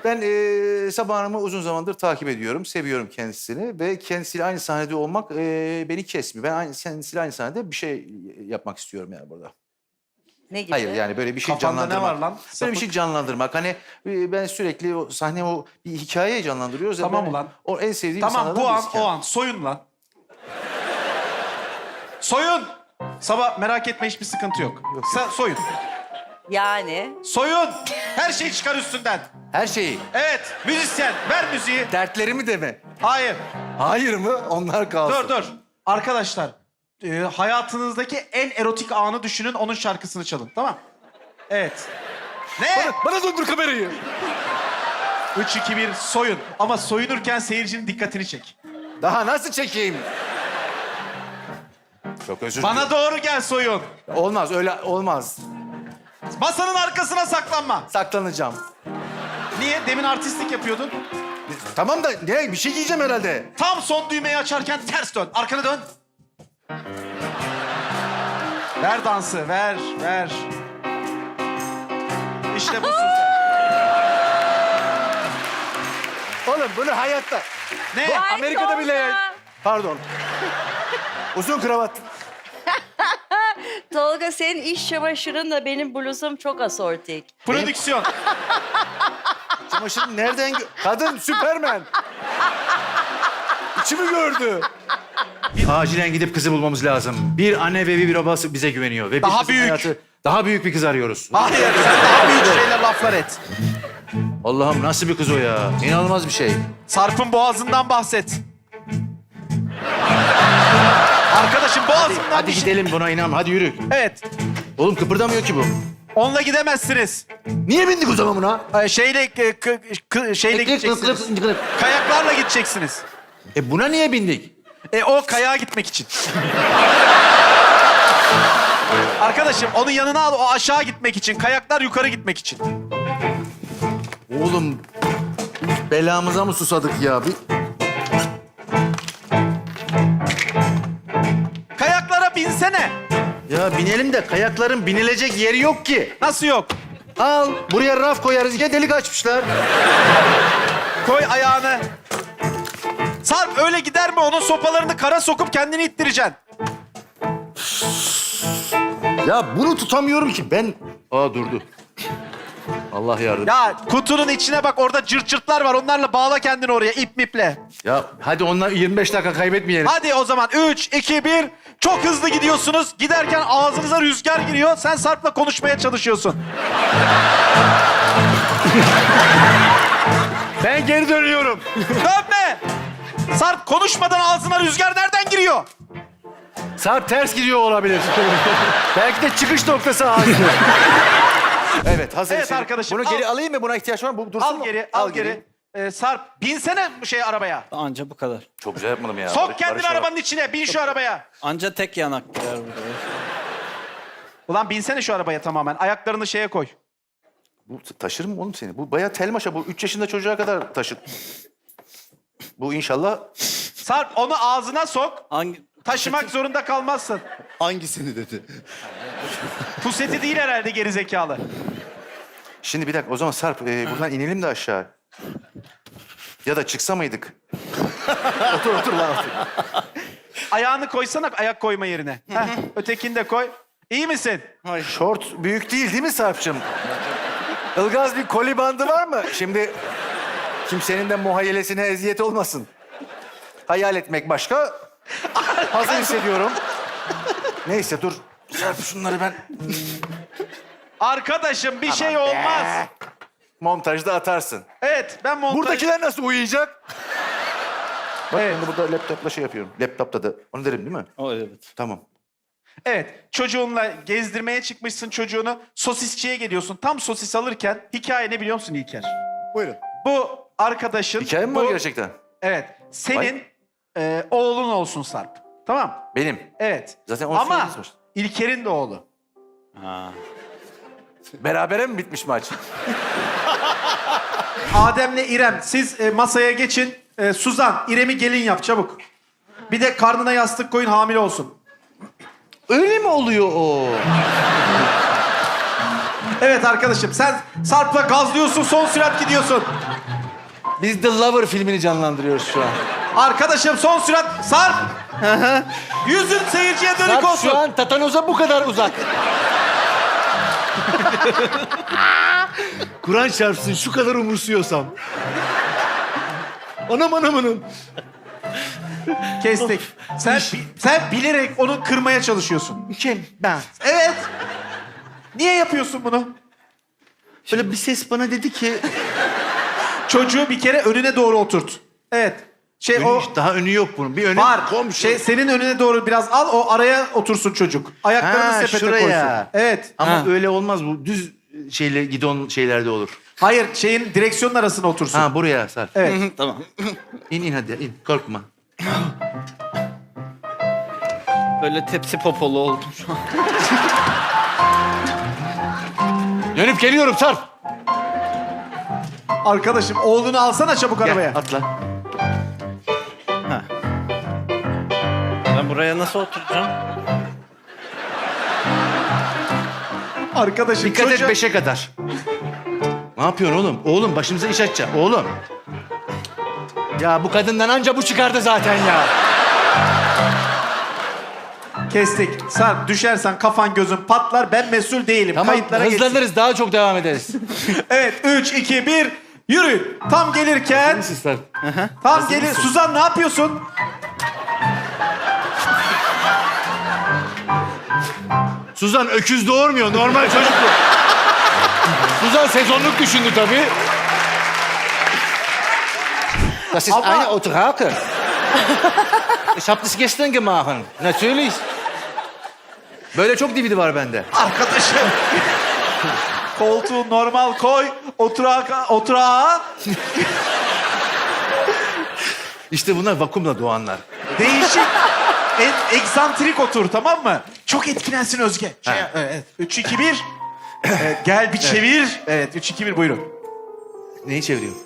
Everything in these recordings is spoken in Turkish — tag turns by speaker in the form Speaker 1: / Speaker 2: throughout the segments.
Speaker 1: Ben Sabah Hanım'ı uzun zamandır takip ediyorum. Seviyorum kendisini ve kendisiyle aynı sahnede olmak beni kesmiyor. Ben kendisiyle aynı sahnede bir şey yapmak istiyorum yani burada.
Speaker 2: Ne gibi?
Speaker 1: Hayır yani böyle bir şey
Speaker 3: Kafanda ne
Speaker 1: canlandırmak.
Speaker 3: var lan?
Speaker 1: Böyle bir
Speaker 3: Sapık.
Speaker 1: şey canlandırmak. Hani ben sürekli o sahne o bir hikayeyi canlandırıyoruz.
Speaker 3: Tamam
Speaker 1: Ben,
Speaker 3: ulan.
Speaker 1: O en sevdiğim
Speaker 3: Tamam
Speaker 1: insanlardan
Speaker 3: bu an
Speaker 1: birisi
Speaker 3: o
Speaker 1: kendisi.
Speaker 3: an. Soyun lan. Soyun. Sabah merak etme hiçbir sıkıntı yok. Sen soyun.
Speaker 2: Yani
Speaker 3: Soyun. Her şeyi çıkar üstünden.
Speaker 1: Her şeyi.
Speaker 3: Evet. Müzisyen. Ver müziği.
Speaker 1: Dertlerimi de mi?
Speaker 3: Hayır.
Speaker 1: Hayır mı? Onlar kalsın.
Speaker 3: Dur. Arkadaşlar. Hayatınızdaki en erotik anı düşünün. Onun şarkısını çalın. Tamam. Evet. Ne?
Speaker 1: Bana döndür kamerayı.
Speaker 3: 3, 2, 1 soyun. Ama soyunurken seyircinin dikkatini çek.
Speaker 1: Daha nasıl çekeyim? Çok özür dilerim.
Speaker 3: Bana doğru gel soyun.
Speaker 1: Olmaz öyle olmaz.
Speaker 3: Masanın arkasına saklanma.
Speaker 1: Saklanacağım.
Speaker 3: Niye? Demin artistlik yapıyordun.
Speaker 1: Tamam da ne bir şey giyeceğim herhalde.
Speaker 3: Tam son düğmeyi açarken ters dön. Arkanı dön. Ver dansı, ver. İşte busun sen.
Speaker 1: Oğlum bunu hayatta.
Speaker 3: Ne?
Speaker 1: Bu Amerika'da bile yani. Pardon. Uzun kravat.
Speaker 2: Tolga senin iş çamaşırınla benim bluzum çok asortik.
Speaker 3: Prodüksiyon.
Speaker 1: Çamaşırı nereden Kadın Süpermen. İçimi gördü. Acilen gidip kızı bulmamız lazım. Bir anne ve bir babası bize güveniyor. Ve
Speaker 3: Daha
Speaker 1: kızın
Speaker 3: büyük.
Speaker 1: Daha büyük bir kız arıyoruz.
Speaker 3: Hayır, sen daha büyük şeyler laflar et.
Speaker 1: Allah'ım nasıl bir kız o ya? İnanılmaz bir şey.
Speaker 3: Sarp'ın boğazından bahset. Arkadaşım boğazından
Speaker 1: Hadi
Speaker 3: bir şey...
Speaker 1: gidelim buna inan. Hadi yürü.
Speaker 3: Evet,
Speaker 1: Oğlum kıpırdamıyor ki bu.
Speaker 3: onunla gidemezsiniz.
Speaker 1: Niye bindik o zaman buna?
Speaker 3: Şeyle gideceksiniz. Kayaklarla gideceksiniz.
Speaker 1: Buna niye bindik?
Speaker 3: O kayağa gitmek için. Arkadaşım onu yanına al, o aşağı gitmek için. Kayaklar yukarı gitmek için.
Speaker 1: Oğlum belamıza mı susadık ya?
Speaker 3: Kayaklara binsene.
Speaker 1: Ya binelim de kayakların binilecek yeri yok ki.
Speaker 3: Nasıl yok?
Speaker 1: Al buraya raf koyarız. Ya delik açmışlar.
Speaker 3: Koy ayağını. Sarp öyle gider mi? Onun sopalarını kara sokup kendini ittireceksin.
Speaker 1: Ya bunu tutamıyorum ki ben. Aa durdu. Allah yardım.
Speaker 3: Ya kutunun içine bak, orada cırt cırtlar var. Onlarla bağla kendini oraya ip miple.
Speaker 1: Ya hadi onlar 25 dakika kaybetmeyelim.
Speaker 3: Hadi o zaman 3, 2, 1. Çok hızlı gidiyorsunuz. Giderken ağzınıza rüzgar giriyor. Sen Sarp'la konuşmaya çalışıyorsun.
Speaker 1: Ben geri dönüyorum.
Speaker 3: Dönme! Sarp konuşmadan ağzına rüzgar nereden giriyor?
Speaker 1: Sarp ters gidiyor olabilir. Belki de çıkış noktası ağzı. Evet hazır.
Speaker 3: Evet arkadaşım,
Speaker 1: Bunu
Speaker 3: al.
Speaker 1: geri alayım mı? Buna ihtiyaç var mı? Bu dursun
Speaker 3: Al
Speaker 1: mu?
Speaker 3: geri, al geri. Sarp binsene arabaya.
Speaker 4: Anca bu kadar.
Speaker 1: Çok güzel yapmadım ya.
Speaker 3: Sok kendini arabanın içine. Bin şu arabaya.
Speaker 4: Anca tek yanak gider burada.
Speaker 3: Ulan binsene şu arabaya tamamen. Ayaklarını şeye koy.
Speaker 1: Bu taşır mı oğlum seni? Bu bayağı telmaşa. Bu 3 yaşında çocuğa kadar taşır. Bu inşallah...
Speaker 3: Sarp onu ağzına sok.
Speaker 4: Hangi...
Speaker 3: Taşımak zorunda kalmazsın.
Speaker 1: Hangisini dedi?
Speaker 3: Puseti değil herhalde gerizekalı.
Speaker 1: Şimdi bir dakika o zaman Sarp buradan inelim de aşağı. Ya da çıksa mıydık? otur lan otur.
Speaker 3: Ayağını koysana ayak koyma yerine. Heh, ötekini de koy. İyi misin?
Speaker 1: Şort büyük değil mi Sarp'cığım? Ilgaz bir koli bandı var mı? Şimdi kimsenin de muhayyelesine eziyet olmasın. Hayal etmek başka. Hazır hissediyorum. Neyse dur. Sarp şunları ben...
Speaker 3: Arkadaşım bir şey olmaz.
Speaker 1: Montajda atarsın.
Speaker 3: Evet ben montaj...
Speaker 1: Buradakiler nasıl uyuyacak? Bak
Speaker 3: Evet.
Speaker 1: ben de burada laptopla şey yapıyorum. Laptopta da. Onu derim değil mi?
Speaker 4: O evet.
Speaker 1: Tamam.
Speaker 3: Evet, çocuğunla gezdirmeye çıkmışsın çocuğunu. Sosisçiye geliyorsun. Tam sosis alırken hikaye ne biliyor musun İlker?
Speaker 1: Buyurun.
Speaker 3: Bu arkadaşın...
Speaker 1: Hikaye mi
Speaker 3: bu,
Speaker 1: var gerçekten?
Speaker 3: Evet, senin oğlun olsun Sarp. Tamam.
Speaker 1: Benim.
Speaker 3: Evet.
Speaker 1: Zaten onu
Speaker 3: ama
Speaker 1: söylediniz.
Speaker 3: İlker'in de oğlu.
Speaker 4: Ha.
Speaker 1: Berabere mi bitmiş maç?
Speaker 3: Adem'le İrem siz masaya geçin. Suzan, İrem'i gelin yap çabuk. Bir de karnına yastık koyun, hamile olsun.
Speaker 1: Öyle mi oluyor o?
Speaker 3: Evet arkadaşım sen Sarp'la gazlıyorsun, son sürat gidiyorsun.
Speaker 1: Biz The Lover filmini canlandırıyoruz şu an.
Speaker 3: Arkadaşım son sürat Sarp. Yüzün seyirciye dönük
Speaker 1: Sarp
Speaker 3: olsun.
Speaker 1: şu an tatanoza bu kadar uzak. Kur'an çarpsın şu kadar umursuyorsam. Anam.
Speaker 3: Kestik. Sen bilerek onu kırmaya çalışıyorsun.
Speaker 1: Kim? Ben.
Speaker 3: Evet. Niye yapıyorsun bunu?
Speaker 1: Böyle bir ses bana dedi ki...
Speaker 3: Çocuğu bir kere önüne doğru oturt. Evet.
Speaker 1: Daha önü yok bunun. Bir önü
Speaker 3: Var.
Speaker 1: komşu.
Speaker 3: Senin önüne doğru biraz al, o araya otursun çocuk. Ayaklarını
Speaker 1: Ha,
Speaker 3: sepete
Speaker 1: şuraya.
Speaker 3: koysun. Evet.
Speaker 1: Ama
Speaker 4: Ha.
Speaker 1: öyle olmaz bu. Düz gidon şeylerde olur.
Speaker 3: Hayır, direksiyonun arasına otursun.
Speaker 1: Ha buraya Sarp.
Speaker 3: Evet.
Speaker 4: Tamam.
Speaker 1: İn hadi in. Korkma.
Speaker 4: Böyle tepsi popolu oldum şu an.
Speaker 1: Dönüp geliyorum Sarp.
Speaker 3: Arkadaşım oğlunu alsana çabuk arabaya.
Speaker 1: Gel atla.
Speaker 4: Ben buraya nasıl oturacağım?
Speaker 3: Arkadaşım
Speaker 1: Dikkat
Speaker 3: çocuğa...
Speaker 1: et 5'e kadar. Ne yapıyorsun oğlum? Oğlum başımıza iş açacak. Oğlum. Ya bu kadından anca bu çıkardı zaten ya.
Speaker 3: Kestik. Sarp düşersen kafan gözün patlar. Ben mesul değilim.
Speaker 1: Tamam
Speaker 3: Kayıtlara geçsin.
Speaker 1: hızlanırız daha çok devam ederiz.
Speaker 3: Evet 3, 2, 1 yürü. Tam gelirken...
Speaker 1: Sarp.
Speaker 3: Tam gelir. Suzan ne yapıyorsun?
Speaker 1: Suzan öküz doğurmuyor. Normal çocuk bu. Suzan sezonluk düşündü tabii. Das ist
Speaker 3: Aber-
Speaker 1: eine Autrake. Ich habe das gestern gemacht. Natürlich. Böyle çok DVD var bende.
Speaker 3: Arkadaşım. Koltuğu normal koy. Oturağa.
Speaker 1: İşte bunlar vakumla doğanlar.
Speaker 3: Değişik. Eksantrik otur, tamam mı? Çok etkilensin Özge.
Speaker 1: Ha.
Speaker 3: Evet. 3, 2, 1. Evet, gel bir çevir. Evet 3, 2, 1 buyurun.
Speaker 1: Neyi çeviriyorum?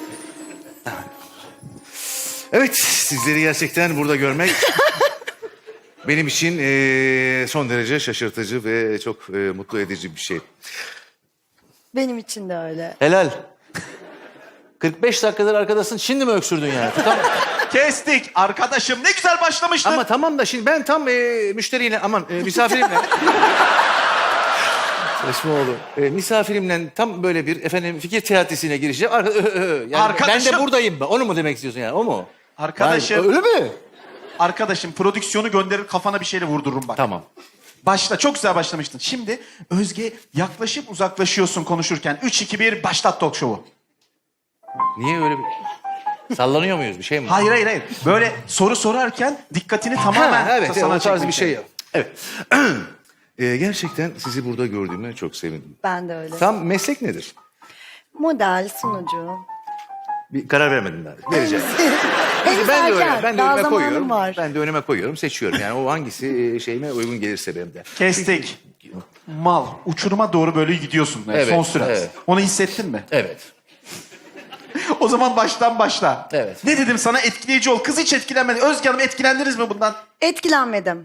Speaker 1: Evet, sizleri gerçekten burada görmek benim için son derece şaşırtıcı ve çok mutlu edici bir şey.
Speaker 2: Benim için de öyle.
Speaker 1: Helal. 45 dakikadır arkadasın, şimdi mi öksürdün yani?
Speaker 3: Kestik. Arkadaşım ne güzel başlamıştın.
Speaker 1: Ama tamam da şimdi ben tam müşteriyle, misafirimle... Saçma oldu. Misafirimle tam böyle bir fikir teatisine girişeceğim. Yani
Speaker 3: Arkadaşım.
Speaker 1: Ben de buradayım. Onu mu demek istiyorsun yani? O mu?
Speaker 3: Arkadaşım.
Speaker 1: Yani, öyle mi?
Speaker 3: Arkadaşım prodüksiyonu gönderir kafana bir şeyle vurdururum bak.
Speaker 1: Tamam.
Speaker 3: Başla. Çok güzel başlamıştın. Şimdi Özge yaklaşıp uzaklaşıyorsun konuşurken. 3, 2, 1 başlat talk show'u.
Speaker 1: Niye öyle bir... Sallanıyor muyuz? Bir şey mi?
Speaker 3: Hayır. Böyle soru sorarken dikkatini tamamen
Speaker 1: evet,
Speaker 3: sana
Speaker 1: o tarz
Speaker 3: çekmek
Speaker 1: bir şey
Speaker 3: için.
Speaker 1: yap. Evet. Gerçekten sizi burada gördüğüme çok sevindim.
Speaker 2: Ben de öyle.
Speaker 1: Tam meslek nedir?
Speaker 2: Model, sunucu.
Speaker 1: Bir karar vermedim daha. Vereceğim.
Speaker 2: Henüz
Speaker 1: Ben de öyle.
Speaker 2: erken.
Speaker 1: Ben de
Speaker 2: Daha
Speaker 1: önüme
Speaker 2: zamanım
Speaker 1: koyuyorum.
Speaker 2: var.
Speaker 1: Ben de önüme koyuyorum, seçiyorum. Yani o hangisi şeyime uygun gelirse benim de.
Speaker 3: Kestik. Mal. Uçuruma doğru böyle gidiyorsun.
Speaker 1: Evet,
Speaker 3: Son sürat.
Speaker 1: evet.
Speaker 3: Onu hissettin mi?
Speaker 1: Evet.
Speaker 3: O zaman baştan başla.
Speaker 1: Evet.
Speaker 3: Ne dedim sana? Etkileyici ol. Kız hiç etkilenmedi. Özge Hanım etkilendiniz mi bundan?
Speaker 2: Etkilenmedim.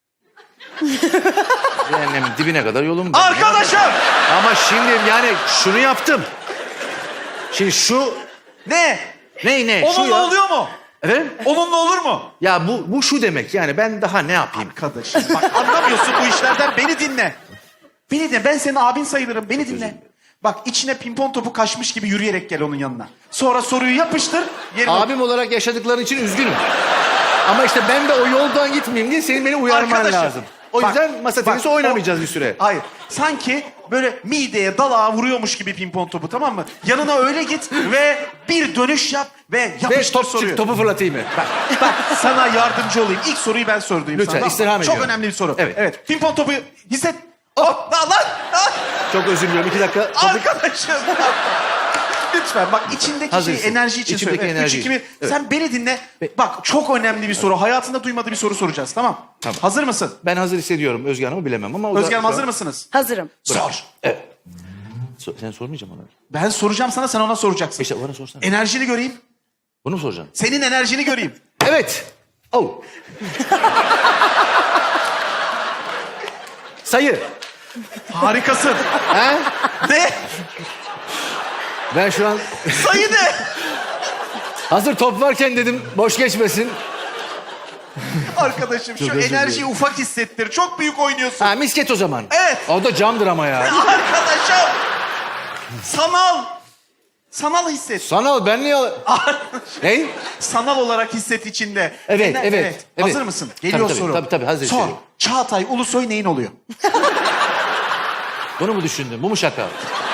Speaker 1: Cehennemin dibine kadar yolum var.
Speaker 3: Arkadaşım!
Speaker 1: Ama şimdi yani şunu yaptım. Şimdi şu...
Speaker 3: Ne?
Speaker 1: Ne? Şu
Speaker 3: Onunla
Speaker 1: ya.
Speaker 3: oluyor mu?
Speaker 1: Efendim?
Speaker 3: Onunla olur mu?
Speaker 1: Ya bu şu demek yani ben daha ne yapayım?
Speaker 3: Arkadaşım bak anlamıyorsun bu işlerden. Beni dinle. Beni dinle. Ben senin abin sayılırım. Beni dinle. Bak içine pimpon topu kaçmış gibi yürüyerek gel onun yanına. Sonra soruyu yapıştır. Yerine
Speaker 1: Abim olarak yaşadıkların için üzgünüm. Ama işte ben de o yoldan gitmeyeyim diye senin beni uyarman
Speaker 3: Arkadaşım,
Speaker 1: lazım. O
Speaker 3: bak,
Speaker 1: yüzden masa tenisi
Speaker 3: bak,
Speaker 1: oynamayacağız bir süre.
Speaker 3: Hayır. Sanki böyle mideye, dalağa vuruyormuş gibi pimpon topu, tamam mı? Yanına öyle git ve bir dönüş yap ve
Speaker 1: Ve
Speaker 3: yapıştır soruyu.
Speaker 1: topu fırlatayım mı?
Speaker 3: Bak sana yardımcı olayım. İlk soruyu ben sordum.
Speaker 1: Lütfen,
Speaker 3: sana.
Speaker 1: istirham
Speaker 3: Çok
Speaker 1: ediyorum.
Speaker 3: önemli bir soru.
Speaker 1: Evet.
Speaker 3: Pimpon topu hisset. Oh, lan.
Speaker 1: Çok özür diliyorum. 2 dakika.
Speaker 3: Arkadaşım. Lütfen bak içindeki
Speaker 1: Hazırsın.
Speaker 3: şey enerji için
Speaker 1: İçimdeki
Speaker 3: söyle. Evet,
Speaker 1: enerji
Speaker 3: 3, 2, 1.
Speaker 1: için. Evet.
Speaker 3: Sen beni dinle. Bak çok önemli bir soru. Hayatında duymadığı bir soru soracağız, tamam?
Speaker 1: Tamam.
Speaker 3: Hazır mısın?
Speaker 1: Ben hazır hissediyorum. Özge Hanım'ı bilemem ama... o da
Speaker 3: Özge Hanım
Speaker 1: şu an-
Speaker 3: hazır mısınız?
Speaker 2: Hazırım.
Speaker 3: Sor.
Speaker 1: Evet. Sen sormayacağım ona.
Speaker 3: Ben soracağım sana, sen ona soracaksın.
Speaker 1: İşte bana sorsana.
Speaker 3: Enerjini göreyim.
Speaker 1: Bunu mu soracaksın?
Speaker 3: Senin enerjini göreyim.
Speaker 1: Evet. Oh. Sayı.
Speaker 3: Harikasın.
Speaker 1: He?
Speaker 3: Ne?
Speaker 1: Ben şu an
Speaker 3: Sayı ne?
Speaker 1: hazır top varken dedim boş geçmesin.
Speaker 3: Arkadaşım şu
Speaker 1: Çok özür
Speaker 3: enerjiyi
Speaker 1: dilerim.
Speaker 3: ufak hissettir. Çok büyük oynuyorsun.
Speaker 1: Ha misket o zaman.
Speaker 3: Evet.
Speaker 1: O da camdır ama ya.
Speaker 3: Arkadaşım. Sanal. Sanal hisset.
Speaker 1: Sanal ben niye... Ne?
Speaker 3: Sanal olarak hisset içinde.
Speaker 1: Evet, evet.
Speaker 3: Hazır mısın? Geliyor
Speaker 1: Tabii,
Speaker 3: soru.
Speaker 1: tabii, hazır
Speaker 3: Sor.
Speaker 1: hissediyorum.
Speaker 3: Çağatay Ulusoy neyin oluyor?
Speaker 1: Bunu mu düşündün? Bu mu şaka?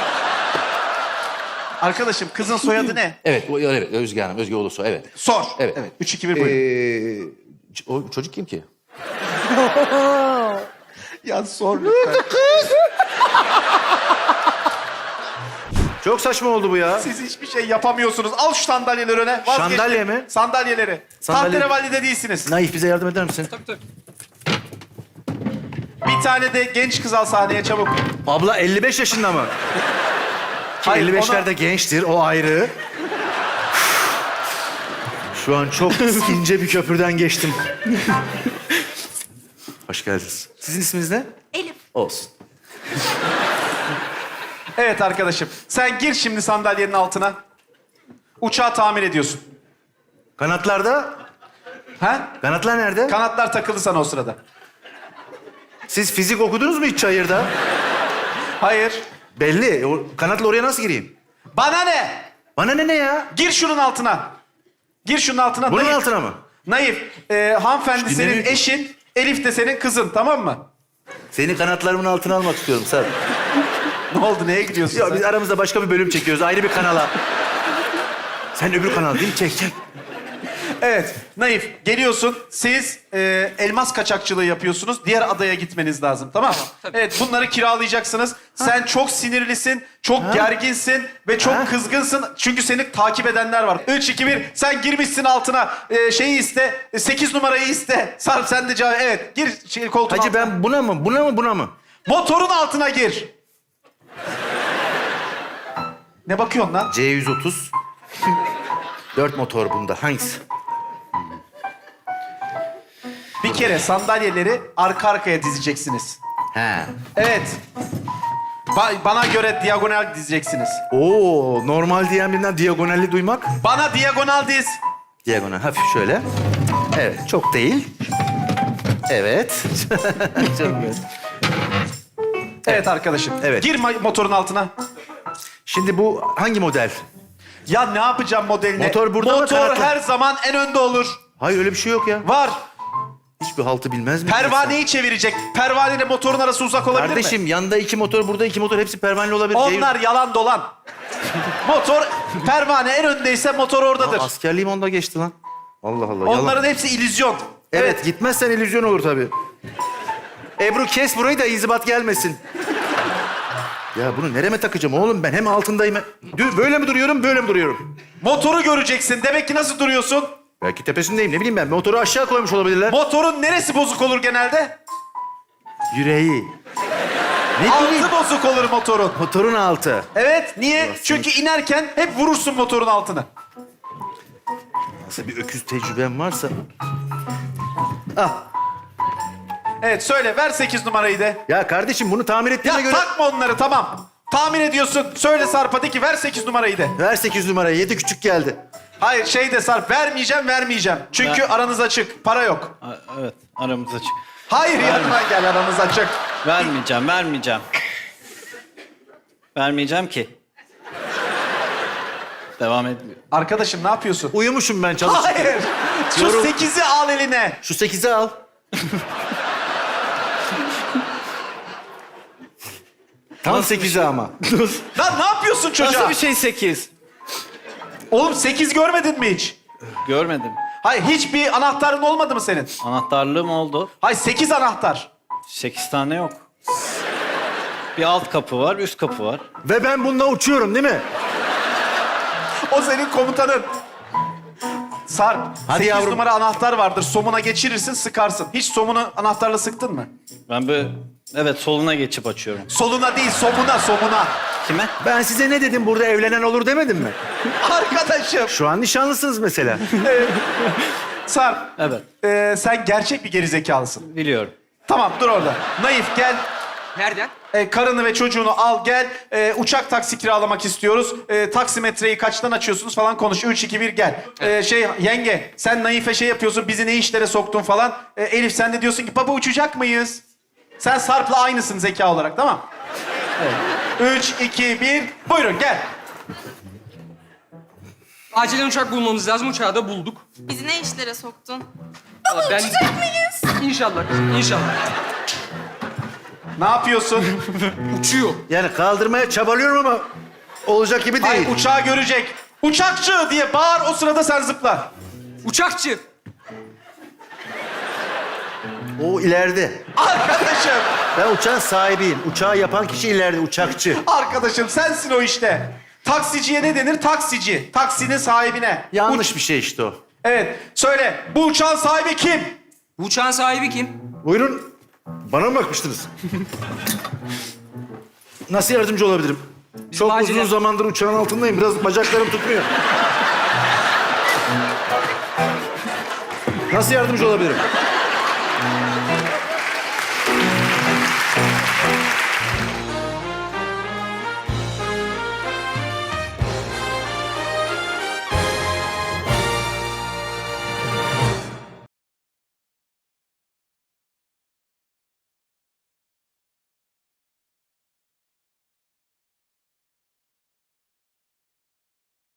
Speaker 3: Arkadaşım kızın soyadı ne?
Speaker 1: Evet, evet. Özge Hanım, Özge Ulusoy, evet.
Speaker 3: Sor.
Speaker 1: Evet.
Speaker 3: 3, 2, 1 buyurun.
Speaker 1: O çocuk kim ki?
Speaker 3: Ya sor lütfen.
Speaker 1: Çok saçma oldu bu ya.
Speaker 3: Siz hiçbir şey yapamıyorsunuz. Al şu sandalyeleri öne. Vazgeçtim.
Speaker 1: Sandalye mi?
Speaker 3: Sandalyeleri.
Speaker 1: Sandalye-
Speaker 3: Tahterevalli'de değilsiniz.
Speaker 1: Naif bize yardım eder misin?
Speaker 3: Bir tane de genç kız al sahneye çabuk.
Speaker 1: Abla 55 yaşında mı? Ki
Speaker 3: Hayır,
Speaker 1: 55'lerde gençtir, o ayrı. Şu an çok ince bir köprüden geçtim. Hoş geldiniz. Sizin isminiz ne?
Speaker 2: Elif.
Speaker 1: Olsun.
Speaker 3: Evet arkadaşım. Sen gir şimdi sandalyenin altına. Uçağı tamir ediyorsun.
Speaker 1: Kanatlarda?
Speaker 3: Ha?
Speaker 1: Kanatlar nerede?
Speaker 3: Kanatlar takıldı sana o sırada.
Speaker 1: Siz fizik okudunuz mu hiç çayırda?
Speaker 3: Hayır.
Speaker 1: Belli. O kanatla oraya nasıl gireyim?
Speaker 3: Bana ne?
Speaker 1: Bana ne ya?
Speaker 3: Gir şunun altına. Gir şunun altına.
Speaker 1: Bunun
Speaker 3: Naif.
Speaker 1: altına mı?
Speaker 3: Naif. Hanımefendi
Speaker 1: Hiç
Speaker 3: senin
Speaker 1: dinlemiyor.
Speaker 3: eşin. Elif de senin kızın, tamam mı?
Speaker 1: Seni kanatlarımın altına almak istiyorum Sarp.
Speaker 3: Ne oldu? Neye gidiyorsun
Speaker 1: Ya
Speaker 3: sen?
Speaker 1: biz aramızda başka bir bölüm çekiyoruz. Ayrı bir kanala. Sen öbür kanal değil mi? Çek çek.
Speaker 3: Evet, Naif. Geliyorsun. Siz elmas kaçakçılığı yapıyorsunuz. Diğer adaya gitmeniz lazım, tamam mı? Evet, bunları kiralayacaksınız. Sen çok sinirlisin, çok gerginsin ve çok
Speaker 1: Ha.
Speaker 3: kızgınsın. Çünkü seni takip edenler var. 3, 2, 1. Sen girmişsin altına. Şeyi iste. 8 numarayı iste. Sarp sen de cevap. Evet, gir koltuğun
Speaker 1: Hacı
Speaker 3: altına.
Speaker 1: ben buna mı? Buna mı? Buna mı?
Speaker 3: Motorun altına gir. Ne bakıyorsun lan?
Speaker 1: C130. 4 motor bunda. Hangisi?
Speaker 3: Bir kere sandalyeleri arka arkaya dizeceksiniz.
Speaker 1: He.
Speaker 3: Evet. Bana göre diagonal dizeceksiniz.
Speaker 1: Oo, normal diyen birinden diagonalli duymak.
Speaker 3: Bana diagonal diz.
Speaker 1: Diagonal hafif şöyle. Evet, çok değil. Evet. Çok güzel.
Speaker 3: Evet arkadaşım.
Speaker 1: Evet.
Speaker 3: Gir motorun altına.
Speaker 1: Şimdi bu hangi model?
Speaker 3: Ya ne yapacağım modeline?
Speaker 1: Motor burada mı,
Speaker 3: Motor
Speaker 1: kanatlı?
Speaker 3: her zaman en önde olur.
Speaker 1: Hayır öyle bir şey yok ya.
Speaker 3: Var.
Speaker 1: Hiçbir haltı bilmez mi?
Speaker 3: Pervaneyi çevirecek. Pervaneyle motorun arası uzak olabilir
Speaker 1: Kardeşim
Speaker 3: mi?
Speaker 1: yanda 2 motor, burada 2 motor. Hepsi pervaneli olabilir.
Speaker 3: Onlar yalan dolan. Motor, pervane en öndeyse motor oradadır.
Speaker 1: Askerliğim onda geçti lan. Allah Allah.
Speaker 3: Onların
Speaker 1: yalan.
Speaker 3: hepsi illüzyon.
Speaker 1: Evet, gitmezsen illüzyon olur tabii. Ebru kes burayı da inzibat gelmesin. Ya bunu nereme takacağım oğlum ben? Hem altındayım. Böyle mi duruyorum, böyle mi duruyorum?
Speaker 3: Motoru göreceksin. Demek ki nasıl duruyorsun?
Speaker 1: Belki tepesindeyim, ne bileyim ben. Motoru aşağı koymuş olabilirler.
Speaker 3: Motorun neresi bozuk olur genelde?
Speaker 1: Yüreği. Ne bileyim.
Speaker 3: Altı bozuk olur motorun.
Speaker 1: Motorun altı.
Speaker 3: Evet, niye?
Speaker 1: Burası.
Speaker 3: Çünkü inerken hep vurursun motorun altına.
Speaker 1: Nasıl bir öküz tecrübem varsa. Ah.
Speaker 3: Evet, söyle. Ver 8 numarayı de.
Speaker 1: Ya kardeşim bunu tamir
Speaker 3: Ya
Speaker 1: ettiğine göre...
Speaker 3: takma onları, tamam. Tamir ediyorsun. Söyle Sarp'a de ki ver 8 numarayı de.
Speaker 1: Ver 8 numarayı. 7 küçük geldi.
Speaker 3: Hayır, şey de Sarp. Vermeyeceğim. Çünkü aranız açık. Para yok.
Speaker 4: Evet, aramız açık.
Speaker 3: Hayır, yanıma gel, aranız açık.
Speaker 4: Vermeyeceğim. Vermeyeceğim ki. Devam etmiyor.
Speaker 3: Arkadaşım ne yapıyorsun?
Speaker 1: Uyumuşum ben çalışırken.
Speaker 3: Hayır. Şu
Speaker 1: Yorum-
Speaker 3: 8'i al eline.
Speaker 1: Şu 8'i al. Tam
Speaker 4: Nasıl bir
Speaker 1: 8'i
Speaker 4: şey?
Speaker 1: ama.
Speaker 3: Lan ne yapıyorsun çocuğa?
Speaker 4: Nasıl bir şey 8?
Speaker 3: Oğlum 8 görmedin mi hiç?
Speaker 4: Görmedim.
Speaker 3: Hayır, hiçbir anahtarın olmadı mı senin?
Speaker 4: Anahtarlığım oldu.
Speaker 3: Hayır, 8 anahtar.
Speaker 4: 8 tane yok. Bir alt kapı var, üst kapı var.
Speaker 1: Ve ben bununla uçuyorum değil mi?
Speaker 3: O senin komutanın. Sarp,
Speaker 1: Hadi
Speaker 3: 8
Speaker 1: yavrum.
Speaker 3: numara anahtar vardır. Somuna geçirirsin, sıkarsın. Hiç somunu anahtarla sıktın mı?
Speaker 4: Ben böyle, evet soluna geçip açıyorum.
Speaker 3: Soluna değil, somuna.
Speaker 4: Kime?
Speaker 1: Ben size ne dedim? Burada evlenen olur demedim mi?
Speaker 3: Arkadaşım.
Speaker 1: Şu an nişanlısınız mesela.
Speaker 3: Sarp,
Speaker 4: Evet,
Speaker 3: sen gerçek bir gerizekalısın.
Speaker 4: biliyorum.
Speaker 3: Tamam, dur orada. Naif, gel.
Speaker 5: Nereden?
Speaker 3: Karını ve çocuğunu al gel. Uçak taksi kiralamak istiyoruz. Taksimetreyi kaçtan açıyorsunuz falan konuş. 3, 2, 1 gel. Yenge sen Naif'e şey yapıyorsun. Bizi ne işlere soktun falan. Elif sen de diyorsun ki baba uçacak mıyız? Sen Sarp'la aynısın zeka olarak tamam? Evet. 3, 2, 1 buyurun gel.
Speaker 5: Acilen uçak bulmamız lazım. Uçağı da bulduk.
Speaker 6: Bizi ne işlere soktun?
Speaker 5: Baba
Speaker 6: Uçacak mıyız?
Speaker 5: İnşallah kızım, inşallah.
Speaker 3: Ne yapıyorsun?
Speaker 5: Uçuyor.
Speaker 1: Yani kaldırmaya çabalıyorum ama olacak gibi değil.
Speaker 3: Ay uçağı görecek. Uçakçı diye bağır o sırada sen zıpla.
Speaker 5: Uçakçı.
Speaker 1: O ileride.
Speaker 3: Arkadaşım.
Speaker 1: Ben uçağın sahibiyim. Uçağı yapan kişi ileride, uçakçı.
Speaker 3: Arkadaşım sensin o işte. Taksiciye ne denir? Taksici. Taksinin sahibine.
Speaker 1: Yanlış bir şey işte o.
Speaker 3: Evet. Söyle. Bu uçağın sahibi kim?
Speaker 5: Bu uçağın sahibi kim?
Speaker 1: Buyurun. Bana mı bakmıştınız? Nasıl yardımcı olabilirim? Çok
Speaker 5: acilen-
Speaker 1: uzun zamandır uçağın altındayım. Biraz bacaklarım tutmuyor. Nasıl yardımcı olabilirim?